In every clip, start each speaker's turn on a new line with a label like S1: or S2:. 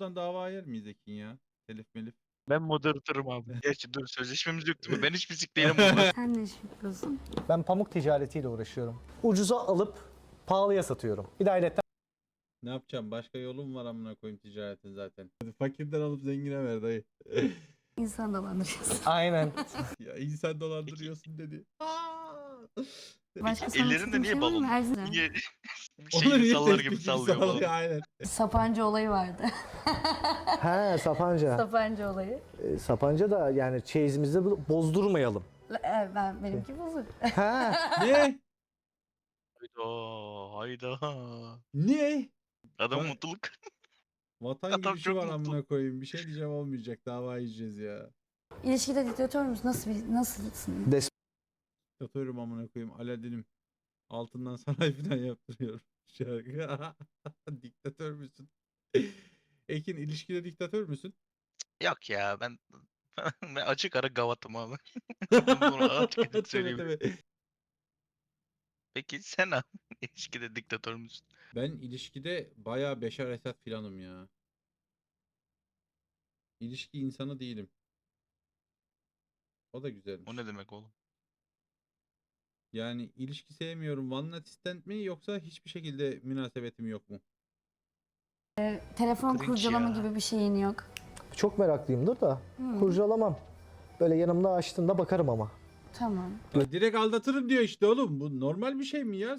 S1: buradan dava yer miyiz Ekin ya? Telif melif.
S2: Ben moderatörüm abi. Gerçi dur sözleşmemiz yok değil mi? Ben hiçbir sikleyle moderatörüm.
S3: Sen ne iş yapıyorsun?
S4: Ben pamuk ticaretiyle uğraşıyorum. Ucuza alıp pahalıya satıyorum. Bir de ayrıca
S1: Ne yapacağım? Başka yolum var amına koyayım ticaretin zaten. Fakirden alıp zengine ver dayı.
S3: İnsan dolandırıyorsun.
S4: aynen.
S1: Ya insan dolandırıyorsun dedi.
S3: Başka
S2: Peki
S3: sana
S2: ellerinde
S3: istediğin
S2: niye
S3: şey var mı?
S2: balon?
S3: Her
S2: Niye
S1: Onu
S2: şeyini
S1: niye
S2: sallar
S1: tespih
S2: gibi sallıyor balon?
S1: Aynen.
S3: Sapanca olayı vardı.
S4: He Sapanca.
S3: Sapanca olayı.
S4: Sapanca da yani çeyizimizi bozdurmayalım.
S3: Benimki bozuk.
S4: He.
S1: Ne?
S2: Hayda.
S1: Niye?
S2: Adam
S1: Bana-
S2: mutluluk.
S1: Vatan
S2: Adam
S1: gülüşü
S2: çok
S1: var
S2: mutlu.
S1: amına koyayım. Bir şey diyeceğim olmayacak. Dava yiyeceğiz ya.
S3: İlişkide diktatör müsün? Nasılsın?
S1: Diktatörüm amına koyayım. Aladdin'im. Altından saray falan yaptırıyorum. Şarkı. Diktatör müsün? Ekin ilişkide diktatör müsün?
S2: Yok ya ben ben açık ara gavatım abi. Bunu açık net
S1: Tabii
S2: söyleyeyim.
S1: tabii.
S2: Peki sen abi ilişkide diktatör müsün?
S1: Ben ilişkide bayağı Beşar Esad filanım ya. İlişki insanı değilim. O da
S2: O
S1: güzelmiş.
S2: ne demek oğlum?
S1: Yani ilişki sevmiyorum. One night stand mi yoksa hiçbir şekilde münasebetim yok mu?
S3: Telefon
S2: Cringe
S3: kurcalama
S2: ya.
S3: gibi bir şeyin yok.
S4: Çok meraklıyımdır da kurcalamam. Böyle yanımda açtığında bakarım ama.
S3: Tamam.
S1: Ya direkt aldatırım diyor işte oğlum. Bu normal bir şey mi ya?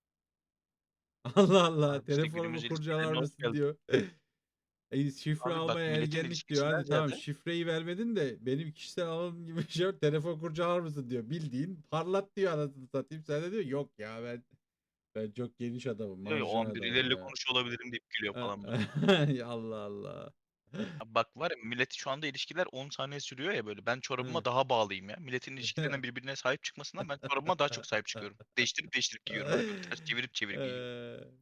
S1: Allah Allah.
S2: Abi işte
S1: Telefonumu
S2: günümüz
S1: kurcalar
S2: ilişkilerine hoş
S1: mısın
S2: geldin.
S1: diyor. Şifre
S2: Abi bak
S1: almaya
S2: milletin
S1: ergenlik diyor.
S2: ilişkisinden
S1: Hadi tamam
S2: ziyade
S1: şifreyi vermedin de benim kişisel alanım gibi bir şey yok. Telefon kurcalar mısın diyor. Bildiğin parlat diyor anasını satayım. Sen de diyor yok ya ben çok geniş adamım.
S2: diyor ya, o
S1: Marjinal
S2: an
S1: adamım
S2: birileriyle
S1: ya.
S2: konuşuyor olabilirim deyip gülüyor falan böyle.
S1: Allah Allah.
S2: Abi bak var ya millet şu anda ilişkiler 10 saniye sürüyor ya böyle. Ben çorabıma
S1: Hı.
S2: daha bağlıyım ya. Milletin ilişkilerine birbirine sahip çıkmasından ben çorabıma daha çok sahip çıkıyorum. Değiştirip değiştirip giyiyorum böyle. Böyle ters çevirip çevirip giyiyorum.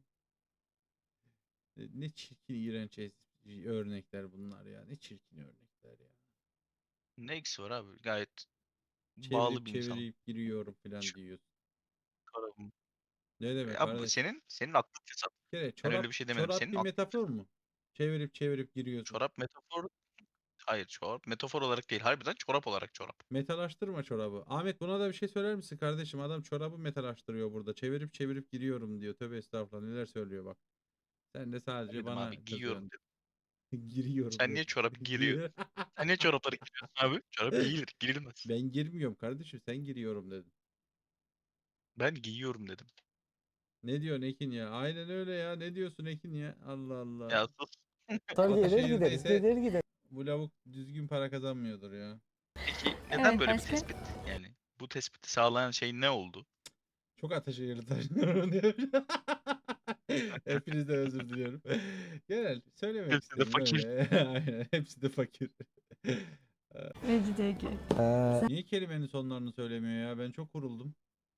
S1: Ne çirkin iğrenç örnekler bunlar ya. Ne çirkin örnekler ya.
S2: Ne eksi var abi? Gayet bağlı
S1: Çevirip
S2: bir insanım.
S1: çevirip giriyorum falan
S2: Şu
S1: diyorsun.
S2: çorabım.
S1: Ne demek
S2: Abi bu
S1: kardeş?
S2: senin aklın fesat.
S1: Bir kere
S2: Ben öyle
S1: çorap
S2: bir şey demedim.
S1: çorap
S2: Senin
S1: bir
S2: aklın
S1: metafor
S2: fesat.
S1: mu? Çevirip çevirip giriyorsun.
S2: Çorap metafor. Hayır çorap metafor olarak değil. Harbiden çorap olarak çorap.
S1: Metalaştırma çorabı. Ahmet buna da bir şey söyler misin kardeşim? Adam çorabı metalaştırıyor burada. Çevirip çevirip giriyorum diyor. Tövbe estağfurullah neler söylüyor bak. Sen de sadece
S2: Dedim
S1: bana
S2: abi giyiyorum
S1: kızıyorsun.
S2: dedim.
S1: Giriyorum
S2: Sen niye
S1: dedim.
S2: çorap giriyor? Sen niye çorapları giriyorsun abi? Çorap giyilir, girilmez.
S1: Ben girmiyorum kardeşim sen giriyorum dedin.
S2: Ben giyiyorum dedim.
S1: Ne diyorsun Ekin ya? Aynen öyle ya. Ne diyorsun Ekin ya? Allah Allah.
S2: Ya sus.
S4: Tabii gelir gideriz,
S1: Ataşehir'deyse
S4: gelir gideriz.
S1: bu lavuk düzgün para kazanmıyordur ya.
S2: Peki neden
S3: Evet,
S2: böyle bir
S3: başka?
S2: tespit? Yani bu tespiti sağlayan şey ne oldu?
S1: Çok Ataşehir'li taşınıyorum diyor. Hepinizden özür diliyorum. Genel söylemek
S2: Hepsi de
S1: istedim
S2: fakir.
S1: öyle. Aynen. Hepsi de fakir.
S3: Mecidiye
S1: Niye kelimenin sonlarını söylemiyor ya? Ben çok kuruldum.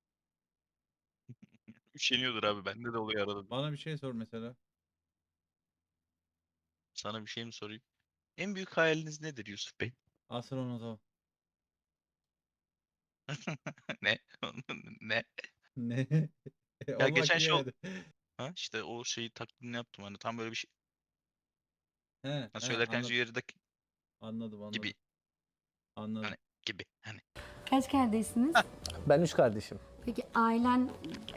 S2: Üşeniyordur abi. Bende de oluyor arada.
S1: Bana bir şey sor mesela.
S2: Sana bir şey mi sorayım? En büyük hayaliniz nedir Yusuf Bey?
S1: Astronot ol.
S2: Ne? Ne?
S1: Ne?
S2: Ya
S1: Olmak
S2: geçen
S1: iyi
S2: şey oldu.
S1: hadi.
S2: Ha işte o şeyi taklidini yaptım hani tam böyle bir şey.
S1: He,
S2: Ha,
S1: he,
S2: söylerken yerde
S1: anladım
S2: gibi
S1: anladım. Anladım.
S2: hani gibi hani.
S3: Kaç kardeşsiniz?
S4: Ben 3 kardeşim.
S3: Peki ailen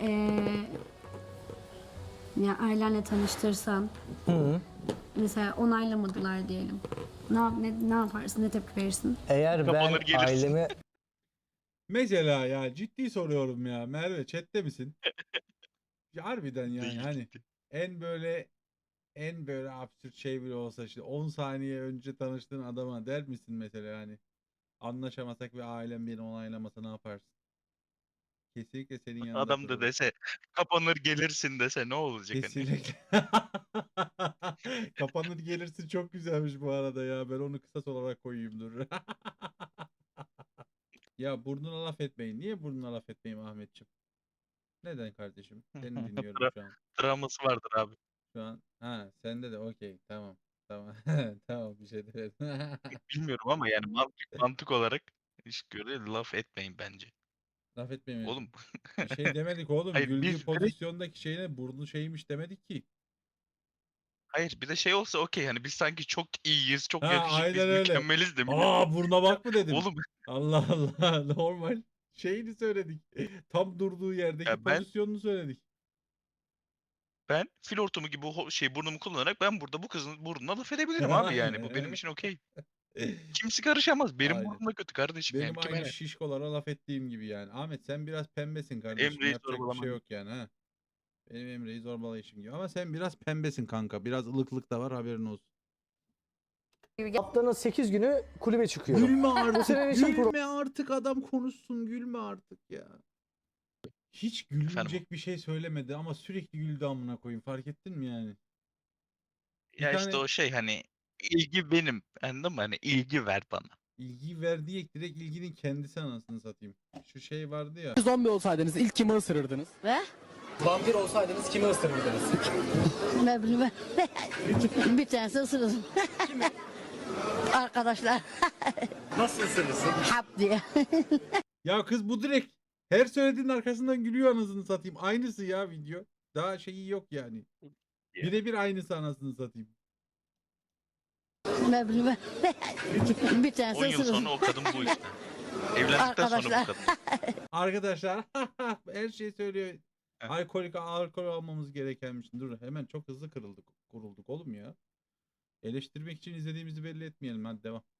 S3: ya ailenle tanıştırsan mesela onaylamadılar diyelim. Ne yaparsın? Ne tepki verirsin?
S4: Eğer ben
S2: Kapanır gelirsin.
S4: ailemi
S1: Mesela ya ciddi soruyorum ya. Merve chatte misin? Ya harbiden yani
S2: Değil
S1: hani
S2: gitti.
S1: en böyle absürt şey bile olsa işte 10 saniye önce tanıştığın adama der misin mesela hani anlaşamasak ve ailem beni onaylamasa ne yaparsın? Kesinlikle senin yanında
S2: Adam da
S1: dururum.
S2: dese kapanır gelirsin dese ne olacak hani?
S1: Kesinlikle. Kapanır gelirsin çok güzelmiş bu arada ya. Ben onu kısas olarak koyayım dur. Ya burnuna laf etmeyin. Niye burnuna laf etmeyeyim Ahmetciğim? Neden kardeşim? Seni dinliyorum şu an.
S2: Travması vardır abi.
S1: Şu an. Ha sende de okey. Tamam. Tamam. Tamam bir şey demedim.
S2: Bilmiyorum ama yani mantık olarak iş göre laf etmeyin bence.
S1: Laf etmeyin.
S2: Oğlum
S1: Bir şey demedik oğlum.
S2: hayır
S1: Güldüğü
S2: biz direkt
S1: pozisyondaki şeyine burnu şeymiş demedik ki.
S2: Hayır bir de şey olsa okey hani biz sanki çok iyiyiz, çok
S1: Ha,
S2: yakışıklıyız,
S1: aynen öyle.
S2: mükemmeliz de millet.
S1: Aa, buruna bak mı dedim.
S2: Oğlum
S1: Allah Allah, normal şeyini söyledik. Tam durduğu yerdeki
S2: ya ben
S1: pozisyonunu söyledik.
S2: fil hortumu gibi burnumu kullanarak ben burada bu kızın burnuna laf edebilirim abi yani. Bu benim için okey. Kimse karışamaz. Benim
S1: Aynen.
S2: burnum da kötü kardeşim yani.
S1: Benim
S2: Kime
S1: aynı
S2: ne?
S1: şişkolara laf ettiğim gibi yani. Ahmet sen biraz pembesin kardeşim.
S2: Emre'yi
S1: Yapacak bir şey
S2: zorbalamam.
S1: yok yani ha. Benim Emre'yi zorbalayışım gibi. Ama sen biraz pembesin kanka. Biraz ılıklık da var, haberin olsun.
S4: Haftanın 8 günü kulübe çıkıyorum.
S1: Gülme artık.
S4: senin için
S1: Gülme artık, adam konuşsun. Gülme artık ya. Hiç gülünecek bir şey söylemedi ama sürekli güldü amına koyayım. Fark ettin mi yani? Bir
S2: Ya işte
S1: tane
S2: o şey hani ilgi benim. Anladın mı? Hani ilgi ver bana.
S1: ilgi verdiği direkt ilginin kendisi, anasını satayım. Şu şey vardı ya.
S5: Zombi olsaydınız ilk kimi ısırırdınız?
S6: Ve
S5: Vampir olsaydınız kimi ısırırdınız?
S6: ne bileyim ben. Bir tanesi ısırırım. Arkadaşlar
S5: Nasıl ısırırsın?
S6: hap diye.
S1: Ya kız bu direkt her söylediğinin arkasından gülüyor, anasını satayım. Aynısı ya video. Daha şeyi yok yani. Birebir aynısı, anasını satayım.
S6: Ne bileyim ben. Bir tanesi
S2: 10 yıl
S6: ısırırım.
S2: sonra o kadın bu işte. Evlendikten sonra bu
S6: Arkadaşlar.
S2: kadın.
S1: Arkadaşlar her şeyi söylüyor.
S2: Heh.
S1: Alkol almamız gerekenmiş. Dur, hemen çok hızlı kurulduk oğlum ya. Eleştirmek için izlediğimizi belli etmeyelim. Hadi devam.